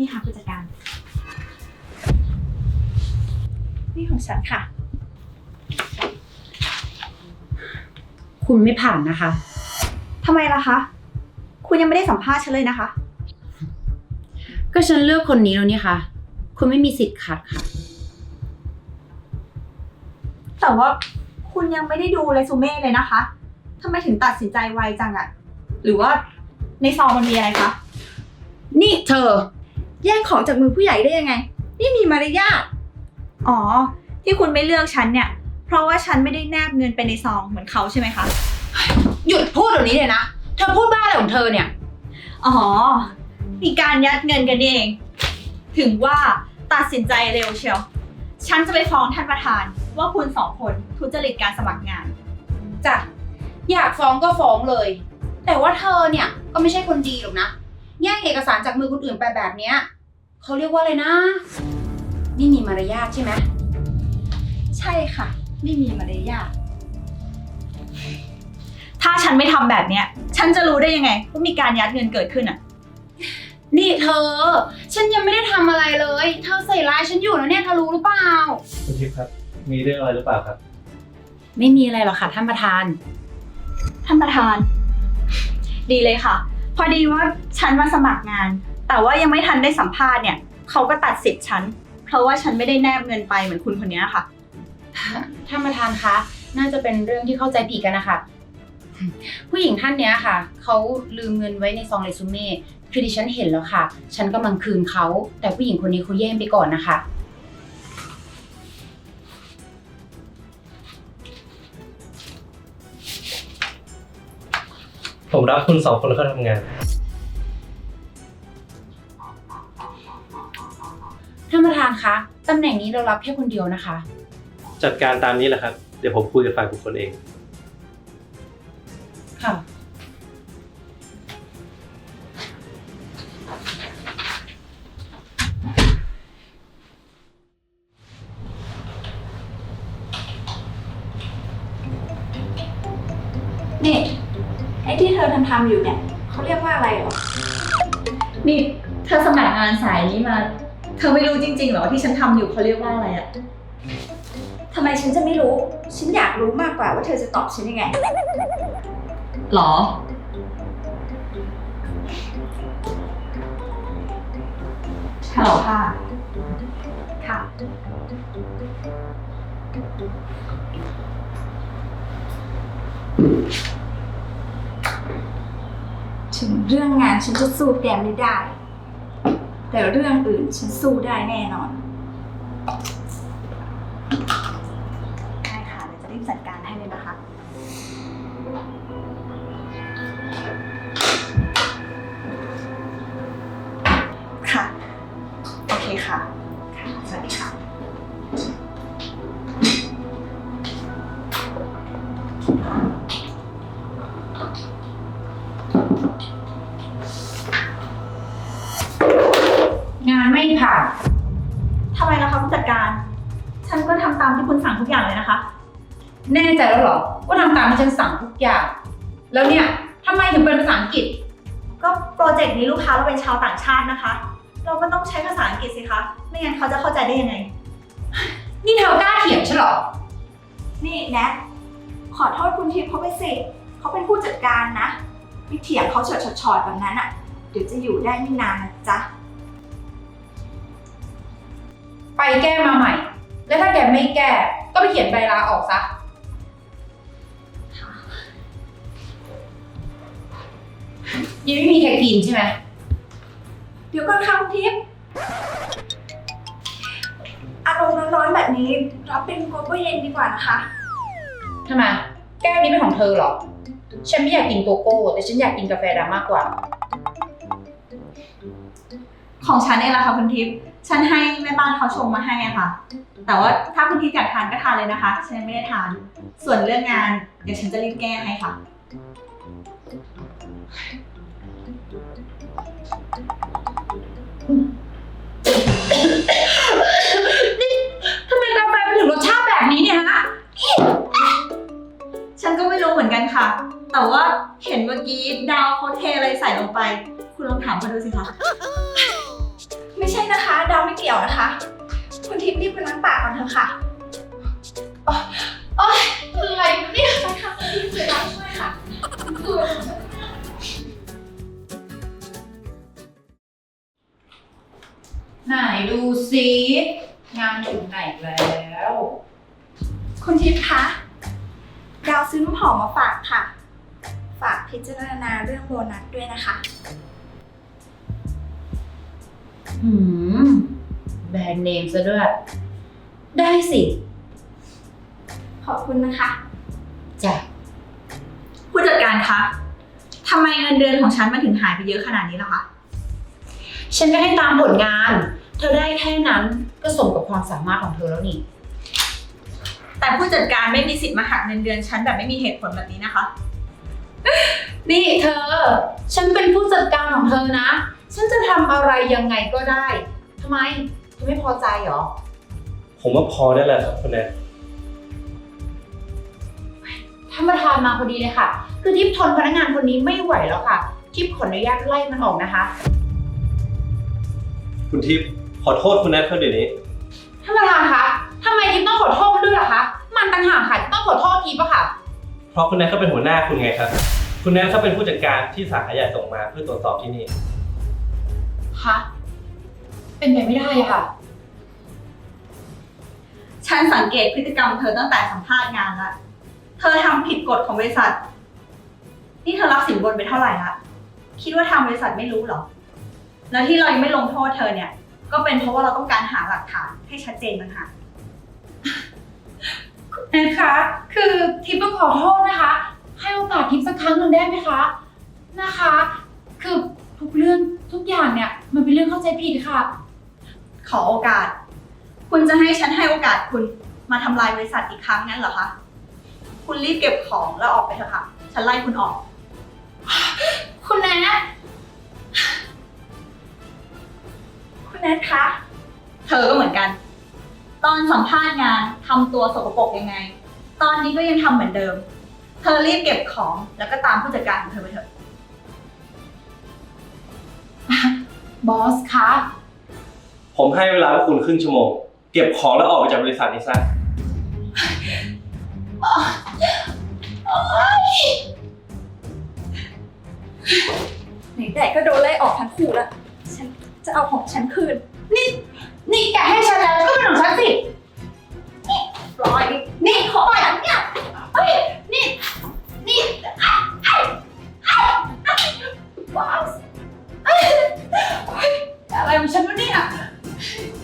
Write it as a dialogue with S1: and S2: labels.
S1: นี่ค่ะผู้จัดการนี่ของฉันค่ะ
S2: คุณไม่ผ่านนะคะ
S1: ทำไมล่ะคะคุณยังไม่ได้สัมภาษณ์ฉันเลยนะคะ
S2: ก็ฉันเลือกคนนี้แล้วนี่ค่ะคุณไม่มีสิทธิ์ขัดค่ะ
S1: แต่ว่าคุณยังไม่ได้ดูเรซูเม่เลยนะคะทำไมถึงตัดสินใจไวจังอะหรือว่าในซองมันมีอะไรคะ
S2: นี่เธอ
S1: แย่งของจากมือผู้ใหญ่ได้ยังไงนี่มีมารยาทอ๋อที่คุณไม่เลือกฉันเนี่ยเพราะว่าฉันไม่ได้แนบเงินไปในซองเหมือนเขาใช่ไหมคะ
S2: หยุดพูดเดี๋ยวนี้เลยนะเธอพูดบ้าอะไรของเธอเนี่ย
S1: อ๋อมีการยัดเงินกันนี่เองถึงว่าตัดสินใจเร็วเชียวฉันจะไปฟ้องท่านประธานว่าคุณสองคนทุจริตการสมัครงาน
S2: จ้ะอยากฟ้องก็ฟ้องเลย แต่ว่าเธอเนี่ยก็ไม่ใช่คนดีหรอกนะแย่งเอกสารจากมือคนอื่นไปแบบเนี้ยเขาเรียกว่าอะไรนะนี่มีมารยาทใช่ไหม
S1: ใช่ค่ะไม่มีมารยาทถ้าฉันไม่ทำแบบเนี้ยฉันจะรู้ได้ยังไงว่ามีการยัดเงินเกิดขึ้นอ่ะ
S2: นี่เธอฉันยังไม่ได้ทำอะไรเลยเธอใส่ร้ายฉันอยู่นะเนี่ยเธอรู้หรือเปล่า
S3: คุณทิพย์ครับมีเรื่องอะไรหรือเปล่าครับ
S2: ไม่มีอะไรหรอกค่ะท่านประธาน
S1: ท่านประธานดีเลยค่ะพอดีว่าฉันมาสมัครงานแต่ว่ายังไม่ทันได้สัมภาษณ์เนี่ยเขาก็ตัดสิทธิ์ฉันเพราะว่าฉันไม่ได้แนบเงินไปเหมือนคุณคนนี้ค่ะ
S2: ท่านประธานคะน่าจะเป็นเรื่องที่เข้าใจผิดกันนะคะผู้หญิงท่านเนี้ยค่ะเขาลืมเงินไว้ในซองเรซูเม่คือดิฉันเห็นแล้วค่ะฉันกำลังคืนเขาแต่ผู้หญิงคนนี้เขาแย่งไปก่อนนะคะ
S3: ผมรับคุณ2 คนเข้าทำงาน
S2: ท่านประธานคะตำแหน่งนี้เรารับแค่คนเดียวนะคะ
S3: จัดการตามนี้แหละครับเดี๋ยวผมคุยกับฝ่ายบุคคลเอง
S2: ค่ะ
S1: นี่ไอ้ที่เธอทำอยู่เนี่ยเขาเรียกว่าอะไรหรอนี่เธอสมัครงานสายนี้มาเธอไม่รู้จริงๆหรอที่ฉันทำอยู่เขาเรียกว่าอะไรอะทำไมฉันจะไม่รู้ฉันอยากรู้มากกว่าว่าเธอจะตอบฉันยังไงหรอฮัลโหลค่ะค่ะถึงเรื่องงานฉันจะสู้แกไม่ได้แต่เรื่องอื่นฉันสู้ได้แน่นอนได้ค่ะเดี๋ยวจะรีบจัดการให้เลยนะคะค่ะโอเคค่ะค่ะสวัสดีค่ะ
S2: งานไม่ผ่าน
S1: ทำไมล่ะคะผู้จัดการฉันก็ทำตามที่คุณสั่งทุกอย่างเลยนะคะ
S2: แน่ใจแล้วเหรอว่าทำตามที่ฉันสั่งทุกอย่างแล้วเนี่ยทำไมถึงเป็นภาษาอังกฤษ
S1: ก็โปรเจกต์นี้ลูกค้าเราเป็นชาวต่างชาตินะคะเราก็ต้องใช้ภาษาอังกฤษสิคะไม่งั้นเขาจะเข้าใจได้ยังไง
S2: นี่เธอกล้าเถียงฉันเหรอ
S1: นี่แนทขอโทษคุณทิพย์เขาไปสิเขาเป็นผู้จัดการนะไปเถียงเขาชอดๆแบบนั้นอ่ะเดี๋ยวจะอยู่ได้ไม่นานนะจ๊ะ
S2: ไปแก้มาใหม่แล้วถ้าแกไม่แก้ก็ไปเขียนใบลาออกซะยังไม่มีใครกินใช่ไหม
S1: เดี๋ยวก่อนค่ะคุณทิพย์อารมณ์ร้อนๆแบบนี้รับเป็นโกโก้เย็นดีกว่านะคะ
S2: ทำไมแก้วนี้เป็นของเธอเหรอฉันไม่อยากกินโกโก้แต่ฉันอยากกินกาแฟดำมากกว่า
S1: ของฉันเองล่ะค่ะคุณทิพย์ฉันให้แม่บ้านเขาชงมาให้อะค่ะแต่ว่าถ้าคุณทิพย์อยากทานก็ทานเลยนะคะฉันไม่ได้ทานส่วนเรื่องงานเดี๋ยวฉันจะรีบแก้ให้ค่ะ
S2: นี่ทำไมกาแฟมันถึงรสชาติแบบนี้เนี่ยฮะ
S1: ฉันก็ไม่รู้เหมือนกันค่ะแต่ว่าเห็นเมื่อกี้ดาวเขาเทอะไรใส่ลงไปคุณลองถามเขาดูสิคะไม่ยวนะคะ คุณทิพย์รีบไปล้างปากก่อนเถอะค่ะคืออะไรเนี่ยไปค่ะคุณทิพย์ไปล้างช่วยค่ะคือ
S2: ไหนดูซิงานถึงไหนแล้ว
S1: คุณทิพย์คะดาวซื้อน้ำหอมมาฝากค่ะ ฝากพิจารณาเรื่องโบนัสด้วยนะคะ
S2: แบรนด์เนมซะด้วย ได้สิ
S1: ขอบคุณนะคะ
S2: จ้ะ
S1: ผู้จัดการคะทำไมเงินเดือนของฉันมันถึงหายไปเยอะขนาดนี้ล่ะคะ
S2: ฉันก็ให้ตามผลงาน เธอได้แค่นั้นก็สมกับความสามารถของเธอแล้วนี่
S1: แต่ผู้จัดการไม่มีสิทธิ์มาหักเงินเดือนฉันแบบไม่มีเหตุผลแบบนี้นะคะ
S2: นี่เธอ ฉันเป็นผู้จัดการของเธอนะ ฉันจะทำอะไรยังไงก็ได้ ทำไม เธอไม่พอใจเหรอ
S3: ผมว่าพอได้แล้วครับคุณแนท
S2: ท่านประธานมาพอดีเลยค่ะ คือทิพย์ทนพนักงานคนนี้ไม่ไหวแล้วค่ะ ทิพย์ขออนุญาตไล่มันออกนะคะ
S3: คุณทิพย์ขอโทษคุณแนทเขาเดี๋ยวนี้
S2: ท่านประธานคะทำไมทิพย์ต้องขอโทษมันด้วยล่ะคะ มันต่างหากค่ะที่ต้องขอโทษทิพย์อะค่ะ
S3: เพราะคุณแนทเขาเป็นหัวหน้าคุณไงครับ คุณแนทเขาเป็นผู้จัดการที่สาขาใหญ่ส่งมาเพื่อตรวจสอบที่นี่
S2: คะ เป็นไปไม่ได้อะค่ะ
S1: ฉันสังเกตพฤติกรรมเธอตั้งแต่สัมภาษณ์งานแล้ว เธอทำผิดกฎของบริษัท นี่เธอรับสินบนไปเท่าไหร่ละ คิดว่าทางบริษัทไม่รู้เหรอ แล้วที่เรายังไม่ลงโทษเธอเนี่ย ก็เป็นเพราะว่าเราต้องการหาหลักฐานให้ชัดเจนต่างหาก
S2: นะคะ คือทิพย์ต้องขอโทษนะคะ ให้โอกาสทิพย์สักครั้งหนึ่งได้ไหมคะ นะคะ คือทุกเรื่องทุกอย่างเนี่ยมันเป็นเรื่องเข้าใจผิดค่ะ
S1: ขอโอกาส คุณจะให้ฉันให้โอกาสคุณมาทำลายบริษัทอีกครั้งงั้นเหรอคะ คุณรีบเก็บของแล้วออกไปเถอะค่ะ ฉันไล่คุณออก
S2: คุณแนท
S1: คุณแนทคะ เธอก็เหมือนกัน ตอนสัมภาษณ์งานทำตัวสกปรกยังไง ตอนนี้ก็ยังทำเหมือนเดิม เธอรีบเก็บของแล้วก็ตามผู้จัดการของเธอไปเถอะ
S2: บอสคะ
S3: ผมให้เวลาพวกคุณครึ่งชั่วโมง เก็บของแล้วออกไปจากบริษัทนี้ซะ
S1: ไหนๆก็โดนไล่ออกทั้งคู่แล้ว ฉันจะเอาของฉันคืน
S2: นี่แกให้ฉันแล้วก็เป็นของฉันสิ
S1: ปล่อย นี่ของฉันเนี่ย
S2: เฮ้ย นี่บอสอะไรของฉันวะเนี่ย